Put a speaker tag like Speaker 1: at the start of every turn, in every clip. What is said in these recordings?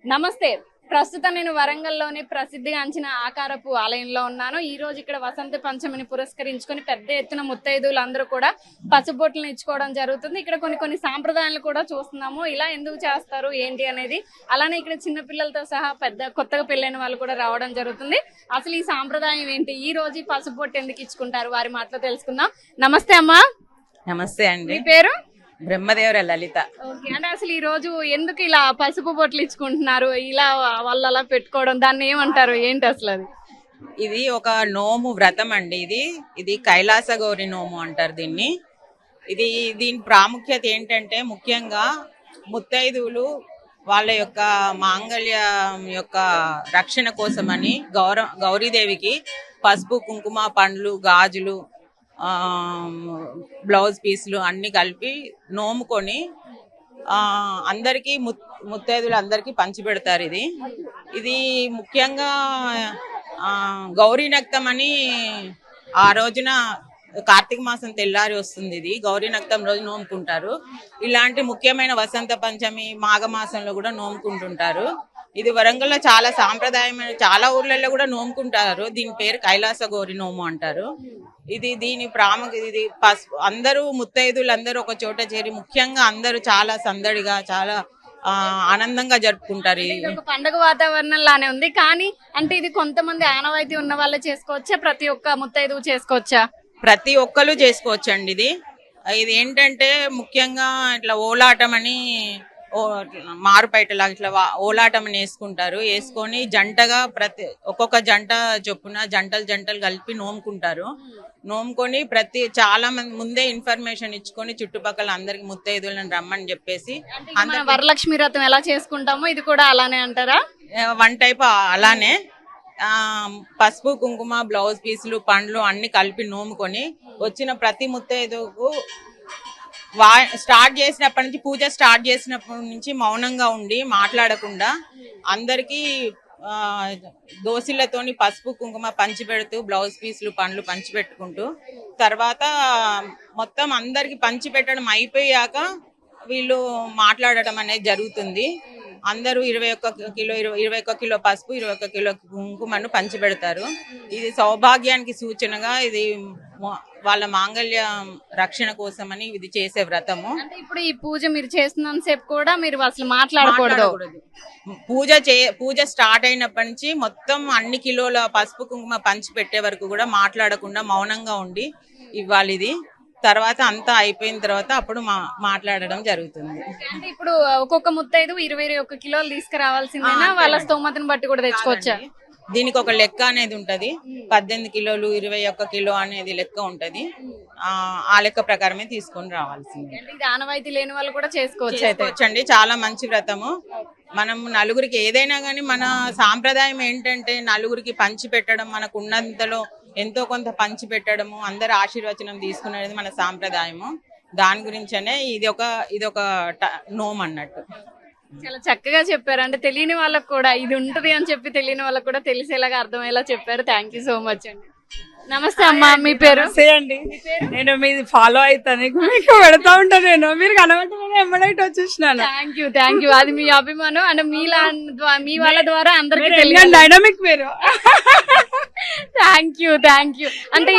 Speaker 1: నమస్తే. ప్రస్తుతం నేను వరంగల్‌లోని ప్రసిద్ధిగాంచిన ఆకారపు ఆలయంలో ఉన్నాను. ఈ రోజు ఇక్కడ వసంత పంచమిని పురస్కరించుకొని పెద్ద ఎత్తున ముత్తైదువులందరూ కూడా పసుబొట్లను ఇచ్చుకోవడం జరుగుతుంది. ఇక్కడ కొన్ని సాంప్రదాయాలు కూడా చూస్తున్నాము. ఇలా ఎందుకు చేస్తారు ఏంటి అనేది. అలానే ఇక్కడ చిన్న పిల్లలతో సహా కొత్తగా పెళ్ళైన వాళ్ళు కూడా రావడం జరుగుతుంది. అసలు ఈ సాంప్రదాయం ఏంటి? ఈ రోజు ఈ పసుబొట్టు ఎందుకు ఇచ్చుకుంటారు? వారి మాటలో తెలుసుకుందాం. నమస్తే అమ్మా.
Speaker 2: నమస్తే అండి.
Speaker 1: మీ పేరు?
Speaker 2: బ్రహ్మదేవర లలిత.
Speaker 1: ఓకే. అంటే అసలు ఈ రోజు ఎందుకు ఇలా పసుపు బొట్లు ఇచ్చుకుంటున్నారు? ఇలా వాళ్ళు అలా పెట్టుకోవడం దాన్ని ఏమంటారు? ఏంటి అసలు అది?
Speaker 2: ఇది ఒక నోము వ్రతం అండి. ఇది కైలాస గౌరి నోము అంటారు దీన్ని. దీని ప్రాముఖ్యత ఏంటంటే ముఖ్యంగా ముత్తైదువులు వాళ్ళ యొక్క మాంగళ్యం యొక్క రక్షణ కోసమని గౌరీదేవికి పసుపు, కుంకుమ, పండ్లు, గాజులు, బ్లౌజ్ పీసులు అన్ని కలిపి నోముకొని అందరికి ముత్తైదులు అందరికి పంచిపెడతారు. ఇది ముఖ్యంగా గౌరీ నక్తం అని ఆ రోజున కార్తీక మాసం తెల్లారి వస్తుంది. ఇది గౌరీ నక్తం రోజు నోముకుంటారు. ఇలాంటి ముఖ్యమైన వసంత పంచమి మాఘమాసంలో కూడా నోముకుంటుంటారు. ఇది వరంగల్లో చాలా సాంప్రదాయమైన, చాలా ఊర్లలో కూడా నోముకుంటారు. దీని పేరు కైలాస గౌరి నోము అంటారు. దీని ప్రాముఖ్యత అందరూ ముత్తైదులు అందరూ ఒక చోట చేరి ముఖ్యంగా అందరూ చాలా సందడిగా చాలా ఆనందంగా జరుపుకుంటారు.
Speaker 1: ఒక పండుగ వాతావరణం లానే ఉంది. కానీ అంటే ఇది కొంతమంది ఆనవాయితీ ఉన్న వాళ్ళే చేసుకోవచ్చా? ప్రతి ఒక్క ముత్తైదువు చేసుకోవచ్చా?
Speaker 2: ప్రతి ఒక్కరు చేసుకోవచ్చండి. ఇది ఏంటంటే ముఖ్యంగా ఇట్లా ఓలాటం అని మారుపైటలాగా ఇట్లా ఓలాటం అని వేసుకొని జంటగా ఒక్కొక్క జంట చొప్పున జంటలు కలిపి నోముకుంటారు. నోముకొని చాలా మంది ముందే ఇన్ఫర్మేషన్ ఇచ్చుకొని చుట్టుపక్కల అందరికి ముత్తైదులను రమ్మని చెప్పేసి
Speaker 1: వరలక్ష్మి వ్రతం ఎలా చేసుకుంటామో ఇది కూడా అలానే అంటారా?
Speaker 2: వన్ టైప్ అలానే పసుపు, కుంకుమ, బ్లౌజ్ పీసులు, పండ్లు అన్ని కలిపి నోముకొని వచ్చిన ప్రతి ముత్తైదుకు స్టార్ట్ చేసినప్పటి నుంచి పూజ స్టార్ట్ చేసినప్పటి నుంచి మౌనంగా ఉండి మాట్లాడకుండా అందరికి దోసిళ్లతోని పసుపు, కుంకుమ పంచిపెడుతూ బ్లౌజ్ పీసులు, పండ్లు పంచిపెట్టుకుంటూ తర్వాత మొత్తం అందరికి పంచిపెట్టడం అయిపోయాక వీళ్ళు మాట్లాడటం అనేది జరుగుతుంది. అందరూ 21 కిలో పసుపు, 21 కిలో కుంకుమను పంచిపెడతారు. ఇది సౌభాగ్యానికి సూచనగా, ఇది వాళ్ళ మాంగళ్య రక్షణ కోసమని ఇది చేసే వ్రతము.
Speaker 1: అంటే ఇప్పుడు ఈ పూజ మీరు చేస్తున్నంత సేపు కూడా మీరు అసలు మాట్లాడకూడదు.
Speaker 2: పూజ స్టార్ట్ అయినప్పటి నుంచి మొత్తం అన్ని కిలోల పసుపు, కుంకుమ పంచి పెట్టే వరకు కూడా మాట్లాడకుండా మౌనంగా ఉండి ఇవ్వాలి. తర్వాత అంతా అయిపోయిన తర్వాత అప్పుడు మాట్లాడడం జరుగుతుంది.
Speaker 1: అంటే ఇప్పుడు ఒక్కొక్క ముత్తైదు 21 కిలోలు తీసుకురావాల్సిందేనా? వాళ్ళ స్తోమతను బట్టి కూడా తెచ్చుకోవచ్చా?
Speaker 2: దీనికి ఒక లెక్క అనేది ఉంటది. 18 కిలోలు 21 కిలో అనేది లెక్క ఉంటది. ఆ లెక్క ప్రకారమే తీసుకొని రావాల్సింది.
Speaker 1: ఇది ఆనవాయితీ లేని వాళ్ళు కూడా చేసుకోవచ్చండి.
Speaker 2: చాలా మంచి వ్రతము. మనం నలుగురికి ఏదైనా గానీ మన సాంప్రదాయం ఏంటంటే నలుగురికి పంచి పెట్టడం, మనకు ఉన్నంతలో ఎంతో కొంత పంచి పెట్టడము, అందరు ఆశీర్వచనం తీసుకునేది మన సాంప్రదాయము. దాని గురించనే ఇది ఒక నోమ్ అన్నట్టు.
Speaker 1: చాలా చక్కగా చెప్పారు. అంటే తెలియని వాళ్ళకు కూడా ఇది ఉంటది అని చెప్పి తెలియని వాళ్ళకు కూడా తెలిసేలాగా అర్థమయ్యేలా చెప్పారు. థ్యాంక్ యూ సో మచ్ అండి. నమస్తే అమ్మా. మీ పేరు?
Speaker 3: అండి. నేను మీది ఫాలో అవుతాను, మీకు పెడతా ఉంటాను. నేను మీరు కనబట్టి ఎమ్మడైతే వచ్చేసినాను.
Speaker 1: Thank you. అది మీ అభిమానం. అంటే మీ వాళ్ళ ద్వారా అందరికి తెలియదు.
Speaker 3: డైనమిక్ మీరు.
Speaker 1: Thank you. అంటే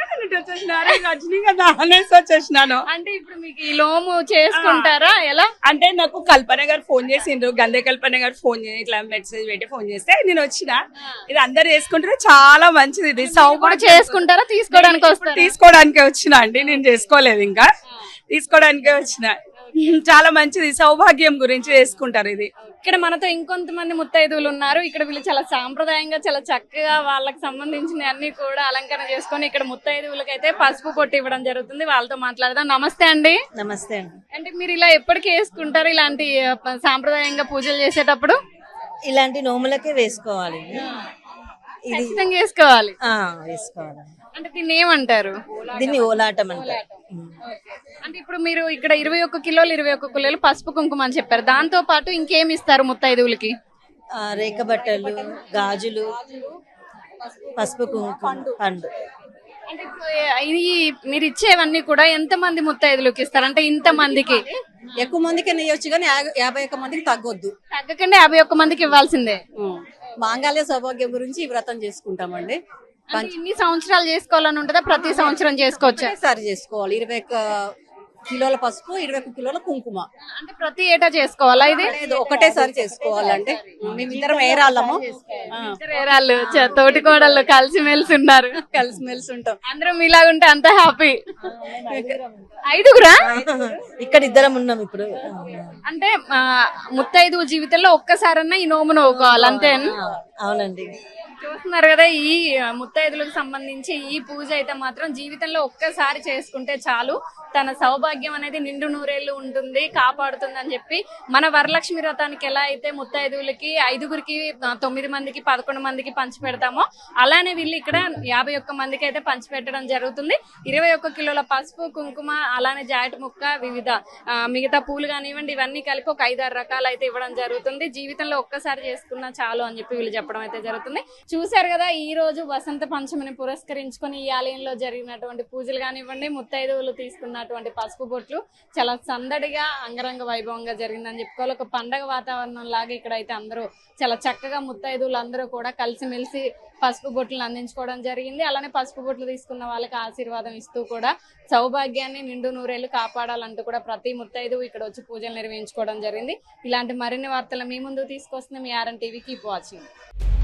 Speaker 3: వచ్చేసినాను.
Speaker 1: అంటే ఇప్పుడు మీకు ఈ లోము చేసుకుంటారా? ఎలా
Speaker 3: అంటే నాకు కల్పన గారు ఫోన్ చేసిండ్రు, గంధే కల్పన గారు ఫోన్ చేసి ఇట్లా మెసేజ్ పెట్టి ఫోన్ చేస్తే నేను వచ్చిన. ఇది అందరు చేసుకుంటారు, చాలా మంచిది. ఇది
Speaker 1: చేసుకుంటారా?
Speaker 3: తీసుకోవడానికే వచ్చిన అండి, నేను చేసుకోలేదు, ఇంకా తీసుకోవడానికే వచ్చిన. చాలా మంచిది, సౌభాగ్యం గురించి చేసుకుంటారు. ఇది
Speaker 1: ఇక్కడ మనతో ఇంకొంతమంది ముత్తైదువులు ఉన్నారు. ఇక్కడ వీళ్ళు చాలా సాంప్రదాయంగా చాలా చక్కగా వాళ్ళకి సంబంధించిన అన్ని కూడా అలంకరణ చేసుకొని ఇక్కడ ముత్తైదువులకి అయితే పసుపు పొట్టు ఇవ్వడం జరుగుతుంది. వాళ్ళతో మాట్లాడదాం. నమస్తే అండి.
Speaker 4: నమస్తే అండి.
Speaker 1: అంటే మీరు ఇలా ఎప్పటికీ వేసుకుంటారు ఇలాంటి సాంప్రదాయంగా పూజలు చేసేటప్పుడు?
Speaker 4: ఇలాంటి నోములకే వేసుకోవాలి,
Speaker 1: వేసుకోవాలి.
Speaker 4: వేసుకోవాలి.
Speaker 1: అంటే దీన్ని ఏమంటారు?
Speaker 4: దీన్ని ఓలాటం అంటారు.
Speaker 1: అంటే ఇప్పుడు మీరు ఇక్కడ 21 కిలోలు పసుపు కుంకుమ అని చెప్పారు. దాంతో పాటు ఇంకేమి ఇస్తారు ముత్తైదువులకి?
Speaker 4: రేఖ బట్టలు, గాజులు, పసుపు కుంకుమ, పండు.
Speaker 1: అంటే ఇప్పుడు ఇది మీరు ఇచ్చేవన్నీ కూడా ఎంత మంది ముత్తైదులకు ఇస్తారు అంటే ఇంత మందికి
Speaker 5: ఎక్కువ మందికి నెయ్యొచ్చు కానీ 51 మందికి తగ్గొద్దు.
Speaker 1: తగ్గకుండా 51 మందికి ఇవ్వాల్సిందే.
Speaker 5: మాంగళ్య సౌభాగ్యం గురించి ఈ వ్రతం చేసుకుంటామండి.
Speaker 1: అంటే ఇన్ని సంవత్సరాలు చేసుకోవాలని ఉంటుందా ప్రతి సంవత్సరం చేసుకోవచ్చా?
Speaker 5: ఒకటేసారి చేసుకోవాలి. 21 కిలోల పసుపు, 21 కిలోల కుంకుమ.
Speaker 1: అంటే ప్రతి ఏటా చేసుకోవాలా ఇది?
Speaker 5: లేదు, ఒకటేసారి చేసుకోవాలంటే మేమిద్దరం ఏరాళ్ళము.
Speaker 1: ఇద్దరు ఏరాళ్ళు, తోటి కోడళ్ళు కలిసిమెలిసి ఉన్నారు.
Speaker 5: కలిసిమెలిసి ఉంటాం.
Speaker 1: అందరం మీలాగుంటే అంత హ్యాపీ. 5గురా?
Speaker 4: ఇక్కడ ఇద్దరం ఉన్నాం ఇప్పుడు.
Speaker 1: అంటే ముత్తైదు జీవితంలో ఒక్కసారన్నా ఈ నోము నవ్వుకోవాలి అంతే.
Speaker 4: అవునండి.
Speaker 1: చూస్తున్నారు కదా, ఈ ముత్తైదులకు సంబంధించి ఈ పూజ అయితే మాత్రం జీవితంలో ఒక్కసారి చేసుకుంటే చాలు, తన సౌభాగ్యం అనేది నిండు నూరేళ్లు ఉంటుంది, కాపాడుతుంది అని చెప్పి మన వరలక్ష్మి వ్రతానికి ఎలా అయితే ముత్తైదువులకి 5గురికి 9 మందికి 11 మందికి పంచి పెడతామో అలానే వీళ్ళు ఇక్కడ 51 మందికి అయితే పంచి పెట్టడం జరుగుతుంది. 21 కిలోల పసుపు, కుంకుమ, అలానే జాకెట్ ముక్క, వివిధ మిగతా పూలు కానివ్వండి, ఇవన్నీ కలిపి ఒక 5-6 రకాలు అయితే ఇవ్వడం జరుగుతుంది. జీవితంలో ఒక్కసారి చేసుకున్నా చాలు అని చెప్పి వీళ్ళు చెప్పడం అయితే జరుగుతుంది. చూశారు కదా, ఈ రోజు వసంత పంచమిని పురస్కరించుకొని ఈ ఆలయంలో జరిగినటువంటి పూజలు కానివ్వండి, ముత్తైదువులు తీసుకున్నటువంటి పసుపు బొట్లు చాలా సందడిగా అంగరంగ వైభవంగా జరిగిందని చెప్పుకోవాలి. ఒక పండగ వాతావరణం లాగా ఇక్కడైతే అందరూ చాలా చక్కగా ముత్తైదువులు అందరూ కూడా కలిసిమెలిసి పసుపు బొట్లను అందించుకోవడం జరిగింది. అలానే పసుపు బొట్లు తీసుకున్న వాళ్ళకి ఆశీర్వాదం ఇస్తూ కూడా సౌభాగ్యాన్ని నిండు నూరేళ్లు కాపాడాలంటూ కూడా ప్రతి ముత్తైదువు ఇక్కడ వచ్చి పూజలు నిర్వహించుకోవడం జరిగింది. ఇలాంటి మరిన్ని వార్తలు మీ ముందు తీసుకొస్తుంది మీ RN TV. Keep watching.